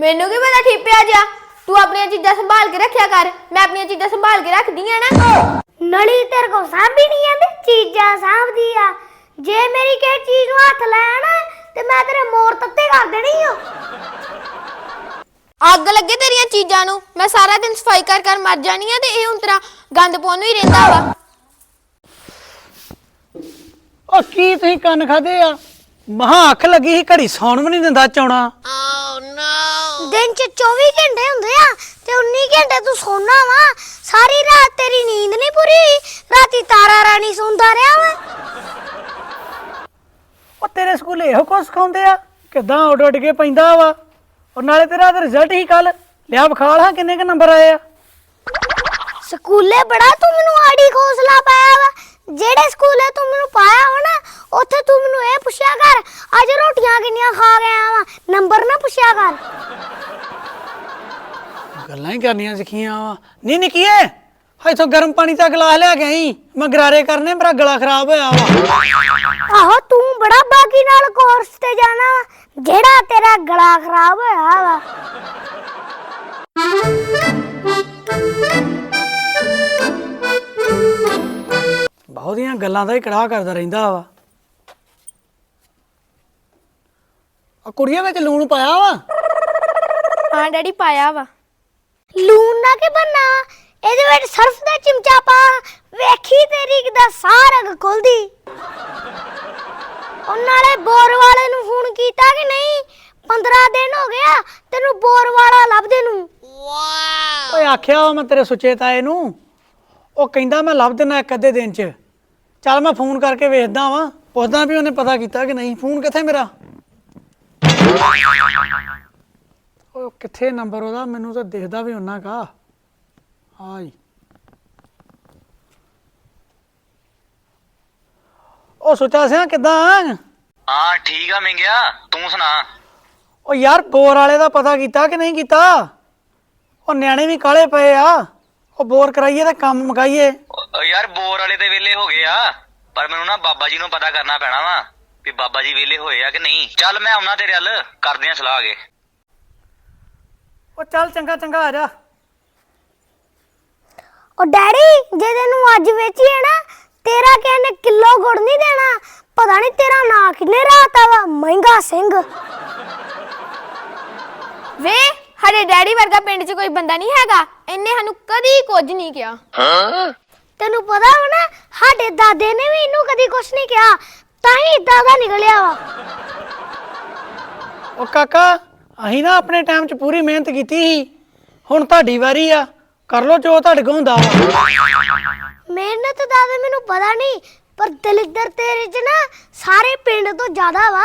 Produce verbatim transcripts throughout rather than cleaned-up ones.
मैनू की पता ठिप्या जा तू अपनी चीजा संभाल के रखा कर मैं अपनी चीजा संभाल के रख दी ना नली तेरे को सांभी नहीं आती चीजा सांभ दिया जे मेरी के चीज हाथ लाया ना ते मैं तेरे मोर तत्ते कर देनी हो अग लगे तेरिया चीजा नू मैं सारा दिन सफाई कर कर मर जानी है ते हुण तेरा गंद पाउण ही रहिंदा वा ओ की तुसीं कंन खादे आ महा अख लगी ही घड़ी सौण भी नहीं दिंदा चौणा दिन च चौबीस घंटे हुंदे आ ते उन्नीस घंटे तू सोना वा सारी रात तेरी नींद नहीं पूरी हुई राती तारा रानी सोंदा रहा वा ओ तेरे स्कूल इहो कुछ सिखाउंदे आ किदां उड उड के पैंदा वा और नाले तेरा रिजल्ट ही कल लिया बखाल हां किन्ने के नंबर आए आ स्कूले बड़ा तू मैनू आड़ी खोसला पाया वा जेड़े स्कूले तू मैनू पाया हो ना उत्थे तू मैनू ए पुछया कर अज रोटियां किन्नियां खा गया वा नंबर ना पुछया कर गल्लां ही करनियां सिखियां वा नी निकिए इथों गर्म पानी दा गिलास ले के आई मैं गरारे करने मेरा गला खराब होया वा आहो तू बड़ा बाकी नाल कोर्स ते जाना वा जेड़ा तेरा गला खराब होया वा बहुतियां गल्लां दा ही कड़ाह करदा रहिंदा वा आ कुड़ियां विच लूण पाया वा हाँ डैडी पाया वा लून ना के बनना ਇਹਦੇ ਵਿੱਚ ਸਰਫ ਦਾ ਚਮਚਾ ਪਾ ਵੇਖੀ ਤੇਰੀ ਕਿਦਾ ਸਾਰਗ ਖੁੱਲਦੀ ਉਹ ਨਾਲੇ ਬੋਰ ਵਾਲੇ ਨੂੰ ਫੋਨ ਕੀਤਾ ਕਿ ਨਹੀਂ पंद्रह दिन हो गया ਤੈਨੂੰ ਬੋਰ ਵਾਲਾ ਲੱਭਦੇ ਨੂੰ ਵਾਹ ਓਏ ਆਖਿਆ ਮੈਂ ਤੇਰੇ ਸੁੱਚੇ ਤਾਏ ਨੂੰ ਉਹ ਕਹਿੰਦਾ ਮੈਂ ਲੱਭ ਦੇਣਾ ਇੱਕ ਅੱਧੇ ਦਿਨ ਚ ਚੱਲ ਮੈਂ ਫੋਨ ਕਰਕੇ ਵੇਖਦਾ ਵਾਂ ਪੁੱਛਦਾ ਵੀ ਉਹਨੇ ਪਤਾ ਕੀਤਾ ਕਿ ਨਹੀਂ ਫੋਨ ਕਿੱਥੇ ਮੇਰਾ ਉਹ ਕਿੱਥੇ ਨੰਬਰ ਉਹਦਾ ਮੈਨੂੰ ਤਾਂ ਦਿਖਦਾ ਵੀ ਉਹਨਾਂ ਕਾ ਹਾਈ ਉਹ ਸੁੱਚਾ ਸਿਆ ਕਿੱਦਾਂ ਹਾਂ ਠੀਕ ਆ ਮਿੰਗਿਆ ਤੂੰ ਸੁਣਾ ਉਹ ਯਾਰ ਬੋਰ ਵਾਲੇ ਦਾ ਪਤਾ ਕੀਤਾ ਕਿ ਨਹੀਂ ਕੀਤਾ ਉਹ ਨਿਆਣੇ ਵੀ ਕਾਲੇ ਪਏ ਆ ਉਹ ਬੋਰ ਕਰਾਈਏ ਤਾਂ ਕੰਮ ਮੁਕਾਈਏ ਯਾਰ ਬੋਰ ਵਾਲੇ ਤੇ ਵੇਲੇ ਹੋ ਗਏ ਆ ਪਰ ਮੈਨੂੰ ਨਾ ਬਾਬਾ ਜੀ ਨੂੰ ਪਤਾ ਕਰਨਾ ਪੈਣਾ ਵਾ ਵੀ ਬਾਬਾ ਜੀ ਵੇਲੇ ਹੋਏ ਆ ਕਿ ਨਹੀਂ ਚੱਲ ਮੈਂ ਆਉਣਾ ਤੇਰੇ ਵੱਲ ਕਰਦੇ ਆ ਸਲਾਹ ਅਗੇ ਉਹ ਚੱਲ ਚੰਗਾ ਚੰਗਾ ਆ ਜਾ ਉਹ ਡੈਡੀ ਜੇ ਤੈਨੂੰ ਅੱਜ ਵੇਚੀਏ ਨਾ ਤੇਰਾ ਕਹਿੰਦੇ ਕਿਲੋ ਗੁੜ ਨਹੀਂ ਦੇਣਾ ਪਤਾ ਨਹੀਂ ਤੇਰਾ ਨਾਂ ਕਿੰਨੇ ਰਾਤਾ ਵਾ ਮਹਿੰਗਾ ਸਿੰਘ ਵੇ ਸਾਡੇ ਡੈਡੀ ਵਰਗਾ ਪਿੰਡ 'ਚ ਕੋਈ ਬੰਦਾ ਨਹੀਂ ਹੈਗਾ ਇਹਨੇ ਸਾਨੂੰ ਕਦੀ ਕੁਝ ਨਹੀਂ ਕਿਹਾ ਤੈਨੂੰ ਪਤਾ ਵਾ ਨਾ ਸਾਡੇ ਦਾਦੇ ਨੇ ਵੀ ਇਹਨੂੰ ਕਦੀ ਕੁਝ ਨਹੀਂ ਕਿਹਾ ਤਾਂ ਹੀ ਇਦਾਂ ਦਾ ਨਿਕਲਿਆ ਵਾ ਉਹ ਕਾਕਾ ਅਸੀਂ ਨਾ ਆਪਣੇ ਟਾਈਮ 'ਚ ਪੂਰੀ ਮਿਹਨਤ ਕੀਤੀ ਸੀ ਹੁਣ ਤੁਹਾਡੀ ਵਾਰੀ ਆ ਕਰ ਲੋ ਜੋ ਤੁਹਾਡੇ ਕੋਲ ਹੁੰਦਾ ਵਾ ਮਿਹਨਤ ਦਾ ਤਾਂ ਮੈਨੂੰ ਪਤਾ ਨਹੀਂ ਪਰ ਦਲਿੱਦਰ ਤੇਰੇ 'ਚ ਨਾ ਸਾਰੇ ਪਿੰਡ ਤੋਂ ਜ਼ਿਆਦਾ ਵਾ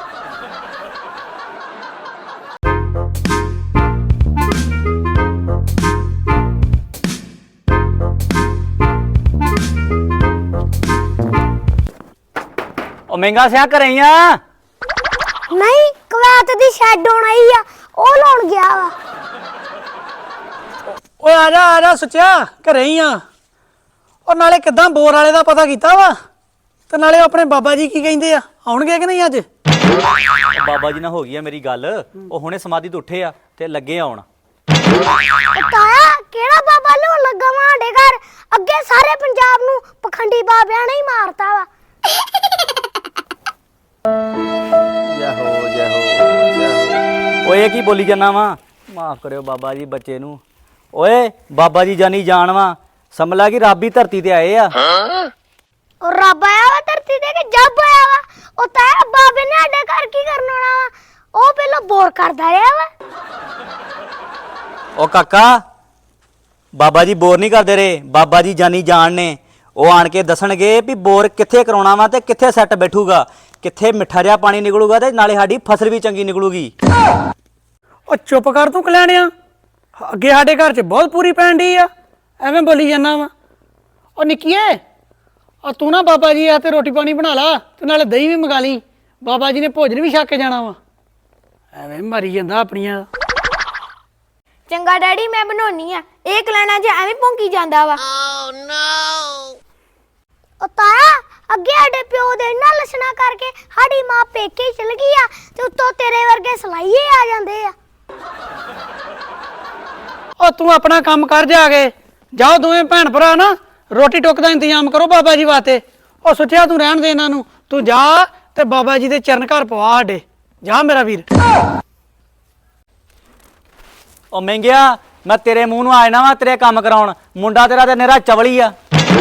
ਉਹ ਮਹਿੰਗਾ ਸਿਆ ਘਰੇ ਆ ਨਹੀਂ ਕਵਾਤ ਦੀ ਸ਼ੈਡ ਹੋਣ ਆਈ ਆ ਉਹ ਲਾਉਣ ਗਿਆ ਵਾ ਓਏ ਆ ਜਾ ਆ ਜਾ ਸੁੱਚਿਆ ਘਰੇ ਹੀ ਆ ਉਹ ਨਾਲੇ ਕਿੱਦਾਂ ਬੋਰ ਵਾਲੇ ਦਾ ਪਤਾ ਕੀਤਾ ਵਾ ਤੇ ਨਾਲੇ ਆਪਣੇ ਬਾਬਾ ਜੀ ਕੀ ਕਹਿੰਦੇ ਆ ਆਉਣਗੇ ਕਿ ਨਹੀਂ ਅੱਜ ਬਾਬਾ ਜੀ ਨਾਲ ਹੋ ਗਈ ਆ ਮੇਰੀ ਗੱਲ ਉਹ ਹੁਣੇ ਸਮਾਧੀ ਤੋਂ ਉੱਠੇ ਆ ਤੇ ਲੱਗੇ ਆਉਣ ਤਾਇਆ ਕਿਹੜਾ ਬਾਬਾ ਲੋਣ ਲੱਗਾ ਵਾ ਸਾਡੇ ਘਰ ਅੱਗੇ ਸਾਰੇ ਪੰਜਾਬ ਨੂੰ ਪਖੰਡੀ ਬਾਬਿਆਂ ਨੇ ਹੀ ਮਾਰਤਾ ਵਾ ਜੈ ਹੋ ਜੈ ਹੋ ਜੈ ਹੋ ਓਏ ਕੀ ਬੋਲੀ ਜਾਨਾ ਵਾ ਮਾਫ ਕਰਿਓ ਬਾਬਾ ਜੀ ਬੱਚੇ ਨੂੰ ਓਏ ਬਾਬਾ ਜੀ ਜਾਨੀ ਜਾਣ ਵਾ ਸਮਝ ਲਾ ਕਿ ਰੱਬ ਹੀ ਧਰਤੀ ਤੇ ਆਏ ਆ ਉਹ ਰੱਬ ਆਇਆ ਵਾ ਧਰਤੀ ਤੇ ਕਿ ਜੱਬ ਆਇਆ ਵਾ ਉਹ ਤਾਇਆ ਬਾਬੇ ਨੇ ਸਾਡੇ ਘਰ ਕੀ ਕਰਨ ਆਉਣਾ ਵਾ ਉਹ ਪਹਿਲਾਂ ਬੋਰ ਕਰਦਾ ਰਿਹਾ ਵਾ ਓ ਕਾਕਾ ਬਾਬਾ ਜੀ ਬੋਰ ਨਹੀਂ ਕਰਦੇ ਰਹੇ ਬਾਬਾ ਜੀ ਜਾਨੀ ਜਾਣ ਨੇ ਉਹ ਆਣ ਕੇ ਦੱਸਣਗੇ ਵੀ ਬੋਰ ਕਿੱਥੇ ਕਰਾਉਣਾ ਵਾ ਤੇ ਕਿੱਥੇ ਸੈੱਟ ਬੈਠੂਗਾ ਕਿੱਥੇ ਮਿੱਠਾ ਜਿਹਾ ਪਾਣੀ ਨਿਕਲੂਗਾ ਤੇ ਨਾਲੇ ਸਾਡੀ ਫਸਲ ਵੀ ਚੰਗੀ ਨਿਕਲੂਗੀ ਉਹ ਚੁੱਪ ਕਰ ਤੂੰ ਕਲਿਆਣਿਆ ਅੱਗੇ ਸਾਡੇ ਘਰ 'ਚ ਬਹੁਤ ਪੂਰੀ ਪੈਣ ਡਈ ਆ ਐਵੇਂ ਬੋਲੀ ਜਾਂਦਾ ਵਾ ਉਹ ਨਿੱਕੀਏ ਆ ਤੂੰ ਨਾ ਬਾਬਾ ਜੀ ਆ ਤੇ ਰੋਟੀ ਪਾਣੀ ਬਣਾ ਲਾ ਤੇ ਨਾਲੇ ਦਹੀਂ ਵੀ ਮੰਗਾ ਲਈ ਬਾਬਾ ਜੀ ਨੇ ਭੋਜਨ ਵੀ ਛੱਕ ਕੇ ਜਾਣਾ ਵਾ ਐਵੇਂ ਮਰੀ ਜਾਂਦਾ ਆਪਣੀਆਂ ਚੰਗਾ ਡੈਡੀ ਮੈਂ ਬਣਾਉਣੀ ਆ ਇਹ ਕਲਾਣਾ ਜੇ ਐਵੇਂ ਭੌਂਕੀ ਜਾਂਦਾ ਵਾ ਉਹ ਤਾਇਆ ਅੱਗੇ ਸਾਡੇ ਪਿਓ ਦੇ ਇੰਨਾ ਲੱਛਣਾ ਕਰਕੇ ਸਾਡੀ ਮਾਂ ਪੇਕੇ ਹੀ ਚਲ ਗਈ ਆ ਤੇ ਉੱਤੋਂ ਤੇਰੇ ਵਰਗੇ ਸਲਾਈਏ ਆ ਜਾਂਦੇ ਆ ਉਹ ਤੂੰ ਆਪਣਾ ਕੰਮ ਕਰ ਜਾ ਕੇ ਜਾਓ ਦੋਵੇਂ ਭੈਣ ਭਰਾ ਨਾ ਰੋਟੀ ਟੁੱਕ ਦਾ ਇੰਤਜ਼ਾਮ ਕਰੋ ਬਾਬਾ ਜੀ ਵਾਸਤੇ। ਉਹ ਸੁੱਚਿਆ ਤੂੰ ਰਹਿਣ ਦੇ ਇਹਨਾਂ ਨੂੰ, ਤੂੰ ਜਾ ਤੇ ਬਾਬਾ ਜੀ ਦੇ ਚਰਨ ਘਰ ਪਵਾ ਸਾਡੇ, ਜਾ ਮੇਰਾ ਵੀਰ। ਉਹ ਮਹਿੰਗਿਆ ਮੈਂ ਤੇਰੇ ਮੂੰਹ ਨੂੰ ਆ ਜਾਣਾ ਵਾ ਤੇਰੇ ਕੰਮ ਕਰਾਉਣ, ਮੁੰਡਾ ਤੇਰਾ ਤੇ ਨਿਹਰਾ ਚਵਲੀ ਆ।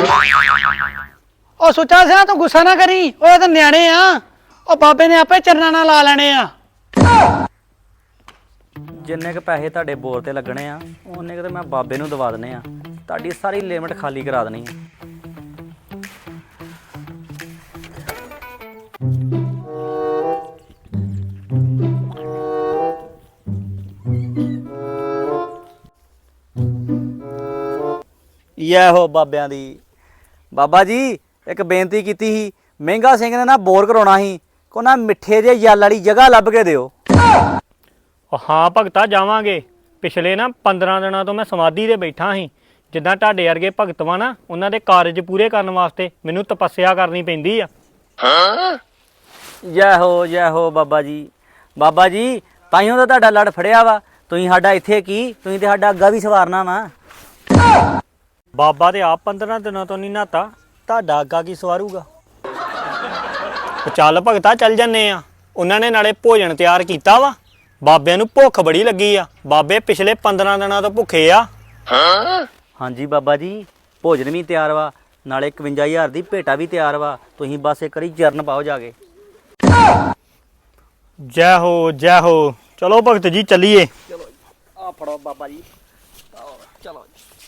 ਉਹ ਸੁੱਚਾ ਸਿਆ ਤੂੰ ਗੁੱਸਾ ਨਾ ਕਰੀ, ਉਹ ਤਾਂ ਨਿਆਣੇ ਆ, ਉਹ ਬਾਬੇ ਨੇ ਆਪੇ ਚਰਨਾਂ ਨਾਲ ਲਾ ਲੈਣੇ ਆ। ਜਿੰਨੇ ਕ ਪੈਸੇ ਤੁਹਾਡੇ ਬੋਰ ਤੇ ਲੱਗਣੇ ਆ ਉਹਨੇ ਕ ਤੇ ਮੈਂ ਬਾਬੇ ਨੂੰ ਦਵਾ ਦਨੇ ਆ, ਤੁਹਾਡੀ ਸਾਰੀ ਲਿਮਟ ਖਾਲੀ ਕਰਾ ਦੇਣੀ ਆ। ਯਾ ਹੋ ਬਾਬਿਆਂ ਦੀ। ਬਾਬਾ ਜੀ ਇੱਕ ਬੇਨਤੀ ਕੀਤੀ ਸੀ, ਮਹਿੰਗਾ ਸਿੰਘ ਨੇ ਨਾ ਬੋਰ ਕਰਾਉਣਾ ਸੀ, ਕੋ ਨਾ ਮਿੱਠੇ ਜਿਹੇ ਜਲ ਵਾਲੀ ਜਗ੍ਹਾ ਲੱਭ ਕੇ ਦਿਓ। ਉਹ ਹਾਂ ਭਗਤਾ ਜਾਵਾਂਗੇ। ਪਿਛਲੇ ਨਾ ਪੰਦਰਾਂ ਦਿਨਾਂ ਤੋਂ ਮੈਂ ਸਮਾਧੀ ਤੇ ਬੈਠਾ ਸੀ। ਜਿੱਦਾਂ ਤੁਹਾਡੇ ਵਰਗੇ ਭਗਤ ਵਾ ਨਾ, ਉਹਨਾਂ ਦੇ ਕਾਰਜ ਪੂਰੇ ਕਰਨ ਵਾਸਤੇ ਮੈਨੂੰ ਤਪੱਸਿਆ ਕਰਨੀ ਪੈਂਦੀ ਆ। ਜੈ ਹੋ ਜੈ ਹੋ ਬਾਬਾ ਜੀ। ਬਾਬਾ ਜੀ ਤਾਈਓ ਤਾਂ ਤੁਹਾਡਾ ਲੜ ਫੜਿਆ ਵਾ, ਤੁਸੀਂ ਸਾਡਾ ਇੱਥੇ ਕੀ, ਤੁਸੀਂ ਤੇ ਸਾਡਾ ਅੱਗਾ ਵੀ ਸਵਾਰਨਾ ਵਾ। ਬਾਬਾ ਤੇ ਆਪ ਪੰਦਰਾਂ ਦਿਨਾਂ ਤੋਂ ਨਹੀਂ ਨਹਾਤਾ, ਤੁਹਾਡਾ ਅੱਗਾ ਕੀ ਸਵਾਰੂਗਾ। ਉਹ ਚੱਲ ਭਗਤਾ ਚੱਲ ਜੰਨੇ ਆ। ਉਹਨਾਂ ਨੇ ਨਾਲੇ ਭੋਜਨ ਤਿਆਰ ਕੀਤਾ ਵਾ, ਬਾਬਿਆਂ ਨੂੰ ਭੁੱਖ ਬੜੀ ਲੱਗੀ ਆ। ਬਾਬੇ ਪਿਛਲੇ ਪੰਦਰਾਂ ਦਿਨਾਂ ਤੋਂ ਭੁੱਖੇ ਆ। ਹਾਂਜੀ ਬਾਬਾ ਜੀ ਭੋਜਨ ਵੀ ਤਿਆਰ ਵਾ, ਨਾਲੇ ਇਕਵੰਜਾ ਹਜ਼ਾਰ ਦੀ ਭੇਟਾ ਵੀ ਤਿਆਰ ਵਾ, ਤੁਸੀਂ ਬਸ ਇੱਕ ਵਾਰੀ ਚਰਨ ਪਾਓ ਜਾ ਕੇ। ਜੈ ਹੋ ਜੈ ਹੋ। ਚਲੋ ਭਗਤ ਜੀ ਚੱਲੀਏ। ਚਲੋ ਆ ਫੜੋ ਬਾਬਾ ਜੀ, ਚਲੋ।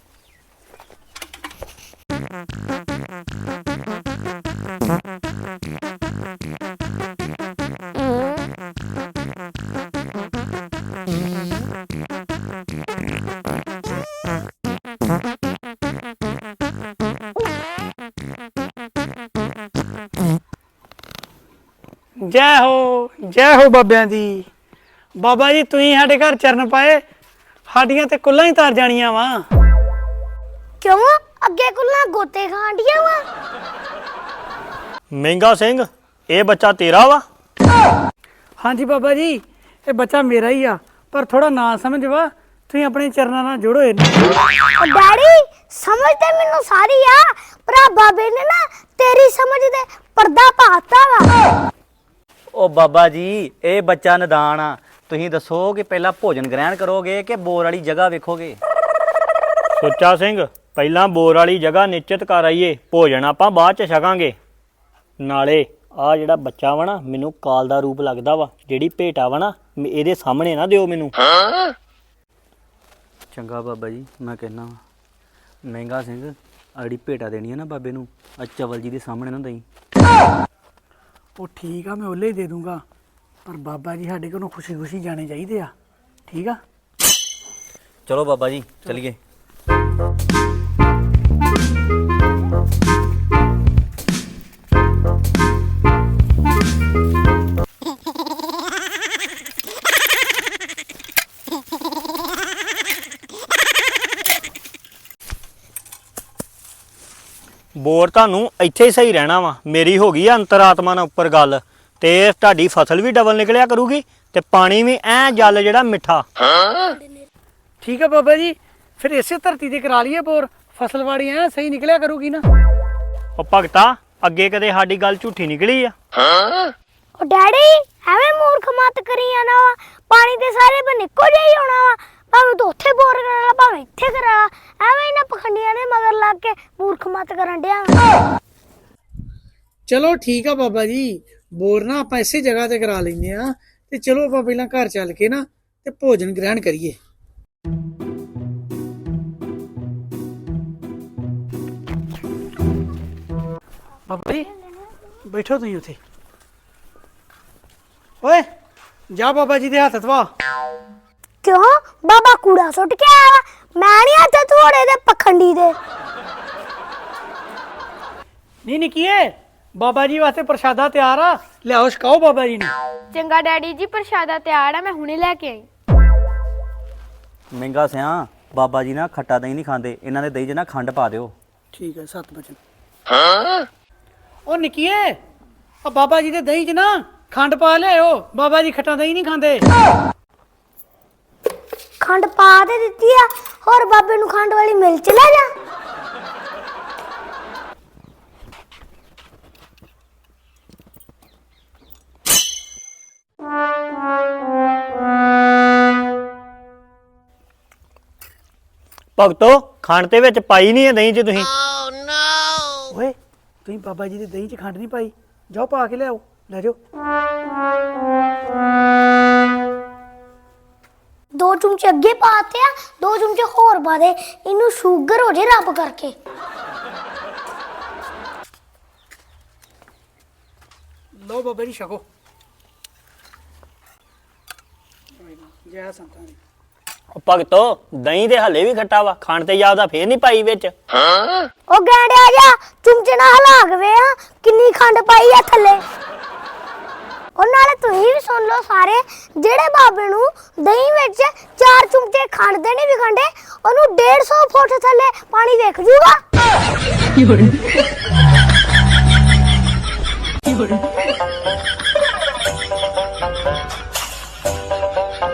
ਜੈ ਹੋ ਜੈ ਹੋ ਬਾਬਿਆਂ ਦੀ। ਬਾਬਾ ਜੀ ਤੁਸੀਂ ਸਾਡੇ ਘਰ ਚਰਨ ਪਾਏ, ਸਾਡੀਆਂ ਤੇ ਕੁੱਲਾਂ ਹੀ ਤਰ ਜਾਣੀਆਂ ਵਾ। ਕਿਉਂ ਅੱਗੇ ਕੁੱਲਾਂ ਗੋਤੇ ਖਾਂਡੀਆਂ ਵਾ? ਮਹਿੰਗਾ ਸਿੰਘ ਇਹ ਬੱਚਾ ਤੇਰਾ ਵਾ? ਹਾਂਜੀ ਬਾਬਾ ਜੀ ਇਹ ਬੱਚਾ ਮੇਰਾ ਹੀ ਆ, ਪਰ ਥੋੜਾ ਨਾ ਸਮਝ ਵਾ, ਤੁਸੀਂ ਆਪਣੇ ਚਰਨਾਂ ਨਾਲ ਜੁੜੋ ਇਹਨੂੰ। ਉਹ ਡੈਡੀ ਸਮਝ ਤੇ ਮੈਨੂੰ ਸਾਰੀ ਆ, ਪਰ ਆ ਬਾਬੇ ਨੇ ਨਾ ਤੇਰੀ ਸਮਝ ਦੇ ਪਰਦਾ ਪਾਤਾ ਵਾ। ਉਹ ਬਾਬਾ ਜੀ ਇਹ ਬੱਚਾ ਨਦਾਨ ਆ, ਤੁਸੀਂ ਦੱਸੋ ਕਿ ਪਹਿਲਾਂ ਭੋਜਨ ਗ੍ਰਹਿਣ ਕਰੋਗੇ ਕਿ ਬੋਰ ਵਾਲੀ ਜਗ੍ਹਾ ਵੇਖੋਗੇ। ਸੁੱਚਾ ਸਿੰਘ ਪਹਿਲਾਂ ਬੋਰ ਵਾਲੀ ਜਗ੍ਹਾ ਨਿਸ਼ਚਿਤ ਕਰ ਆਈਏ, ਭੋਜਨ ਆਪਾਂ ਬਾਅਦ ਚ ਛਕਾਂਗੇ। ਨਾਲੇ ਆ ਜਿਹੜਾ ਬੱਚਾ ਵਾ ਨਾ ਮੈਨੂੰ ਕਾਲ ਦਾ ਰੂਪ ਲੱਗਦਾ ਵਾ, ਜਿਹੜੀ ਭੇਟਾ ਵਾ ਨਾ ਇਹਦੇ ਸਾਹਮਣੇ ਨਾ ਦਿਓ ਮੈਨੂੰ। ਚੰਗਾ ਬਾਬਾ ਜੀ ਮੈਂ ਕਹਿਣਾ ਵਾ, ਮਹਿੰਗਾ ਸਿੰਘ ਆ ਜਿਹੜੀ ਭੇਟਾ ਦੇਣੀ ਹੈ ਨਾ ਬਾਬੇ ਨੂੰ, ਆ ਚਵਲ ਜੀ ਦੇ ਸਾਹਮਣੇ ਨਾ ਦਈ। ਉਹ ਠੀਕ ਆ ਮੈਂ ਉਹਲੇ ਹੀ ਦੇ ਦੂੰਗਾ, ਪਰ ਬਾਬਾ ਜੀ ਸਾਡੇ ਕੋਲੋਂ ਖੁਸ਼ੀ ਖੁਸ਼ੀ ਜਾਣੇ ਚਾਹੀਦੇ ਆ, ਠੀਕ ਆ। ਚਲੋ ਬਾਬਾ ਜੀ ਚਲੀਏ। ਬੋਰ ਤੁਹਾਨੂੰ ਇੱਥੇ ਹੀ ਸਹੀ ਰਹਿਣਾ ਵਾ। ਮੇਰੀ ਹੋ ਗਈ ਆ ਅੰਤਰਾਤਮਾ ਨਾਲ ਉੱਪਰ ਗੱਲ, ਤੇ ਤੁਹਾਡੀ ਫਸਲ ਵੀ ਡਬਲ ਨਿਕਲਿਆ ਕਰੂਗੀ ਤੇ ਪਾਣੀ ਵੀ ਐ ਜਲ ਜਿਹੜਾ ਮਿੱਠਾ। ਠੀਕ ਆ ਬਾਬਾ ਜੀ ਫਿਰ ਇਸੇ ਧਰਤੀ ਤੇ ਕਰਾ ਲਈਏ ਬੋਰ, ਫਸਲਵਾੜੀ ਐ ਸਹੀ ਨਿਕਲਿਆ ਕਰੂਗੀ ਨਾ। ਉਹ ਭਗਤਾ ਅੱਗੇ ਕਦੇ ਸਾਡੀ ਗੱਲ ਝੂਠੀ ਨਿਕਲੀ ਆ? ਉਹ ਡੈਡੀ ਐਵੇਂ ਮੂਰਖ ਮਤ ਕਰੀ ਜਾਣਾ ਵਾ, ਪਾਣੀ ਤੇ ਸਾਰੇ ਬਨ ਇੱਕੋ ਜਿਹਾ ਹੀ ਹੋਣਾ ਵਾ, ਭਾਵੇਂ ਤੂੰ ਉੱਥੇ ਬੋਰ ਕਰਾ ਲਾ ਭਾਵੇਂ ਇੱਥੇ ਕਰਾ ਲਾ, ਐਵੇਂ ਇਹਨਾਂ ਪਖੰਡੀਆਂ ਦੇ ਮਗਰ ਲੱਗ ਕੇ ਮੂਰਖ ਮਤ ਕਰਨ ਡਿਆ। ਚਲੋ ਠੀਕ ਆ ਬਾਬਾ ਜੀ, ਬੋਰ ਨਾ ਆਪਾਂ ਇਸੇ ਜਗ੍ਹਾ ਤੇ ਕਰਾ ਲੈਂਦੇ ਆ, ਤੇ ਚਲੋ ਆਪਾਂ ਪਹਿਲਾਂ ਘਰ ਚੱਲ ਕੇ ਨਾ ਤੇ ਭੋਜਨ ਗ੍ਰਹਿਣ ਕਰੀਏ। ਬਾਬਾ ਜੀ ਬੈਠੋ ਤੁਸੀਂ ਉੱਥੇ। ਓਏ ਜਾ ਬਾਬਾ ਜੀ ਦੇ ਹੱਥ ਧਵਾ। ਕਿਉਂ ਬਾਬਾ ਕੂੜਾ ਸੁੱਟ ਕੇ ਆਇਆ ਵਾ? ਮੈਂ ਨਹੀਂ ਹੱਥ ਧੋੜੇ ਦੇ ਪਖੰਡੀ ਦੇ। ਨਹੀਂ ਨਿੱਕੀਏ ਬਾਬਾ ਜੀ ਵਾਸਤੇ ਪ੍ਰਸ਼ਾਦਾ ਤਿਆਰ ਆ, ਲਿਆਓ ਛਕਾਓ ਬਾਬਾ ਜੀ ਨੂੰ। ਚੰਗਾ ਡੈਡੀ ਜੀ ਪ੍ਰਸ਼ਾਦਾ ਤਿਆਰ ਆ, ਮੈਂ ਹੁਣੇ ਲੈ ਕੇ ਆਈ। ਮਹਿੰਗਾ ਸਿਆ ਬਾਬਾ ਜੀ ਨਾ ਖੱਟਾ ਦਹੀਂ ਨਹੀਂ ਖਾਂਦੇ, ਇਹਨਾਂ ਦੇ ਦਹੀਂ 'ਚ ਨਾ ਖੰਡ ਪਾ ਦਿਓ। ਠੀਕ ਹੈ ਸੱਤ ਬਚਨ। ਉਹ ਨਿੱਕੀਏ ਆ ਬਾਬਾ ਜੀ ਦੇ ਦਹੀਂ 'ਚ ਨਾ ਖੰਡ ਪਾ ਲਿਆਓ, ਬਾਬਾ ਜੀ ਖੱਟਾ ਦਹੀਂ ਨਹੀਂ ਖਾਂਦੇ। ਖੰਡ ਪਾ ਤੇ ਦਿੱਤੀ ਆ, ਹੋਰ ਬਾਬੇ ਨੂੰ ਖੰਡ ਵਾਲੀ ਮਿਲ ਚ ਲੈ ਜਾ। ਭਗਤੋ ਖੰਡ ਤੇ ਵਿੱਚ ਪਾਈ ਨਹੀਂ ਹੈ ਦਹੀਂ 'ਚ ਤੁਸੀਂ। ਓਏ ਤੁਸੀਂ ਬਾਬਾ ਜੀ ਦੇ ਦਹੀਂ 'ਚ ਖੰਡ ਨਹੀਂ ਪਾਈ, ਜਾਓ ਪਾ ਕੇ ਲਿਆਓ, ਲੈ ਜਾਓ। ਦੋ ਚਮਚੇ ਅੱਗੇ ਪਾਤੇ ਆ, ਦੋ ਚਮਚੇ ਹੋਰ ਪਾ ਦੇ, ਇਹਨੂੰ ਸ਼ੂਗਰ ਹੋ ਜੇ ਰੱਬ ਕਰਕੇ। ਲਓ ਬਾਬਾ ਜੀ ਛਕੋ। ਜੈ ਸੰਤਾਂ ਦੀ। ਉਹ ਭਗਤੋ ਦਹੀਂ ਦੇ ਹਲੇ ਵੀ ਖੱਟਾ ਵਾ, ਖੰਡ ਤੇ ਜ਼ਿਆਦਾ ਫੇਰ ਨਹੀਂ ਪਾਈ ਵਿੱਚ। ਉਹ ਗੈਂਡਿਆ ਜਾ, ਚਮਚੇ ਨਾਲ ਹਿਲਾ ਕੇ ਵੇ ਆ ਕਿੰਨੀ ਖੰਡ ਪਾਈ ਆ ਥੱਲੇ। ਉਹ ਨਾਲੇ ਤੁਸੀਂ ਵੀ ਸੁਣ ਲਓ ਸਾਰੇ, ਜਿਹੜੇ ਬਾਬੇ ਨੂੰ ਦਹੀਂ ਵਿੱਚ ਚਾਰ ਚਮਚੇ ਖੰਡ ਦੇ ਨਹੀਂ ਵਿਖੰਡੇ, ਉਹਨੂੰ ਡੇਢ ਸੌ ਫੁੱਟ ਥੱਲੇ ਪਾਣੀ ਵੇਖ ਜੂਗਾ।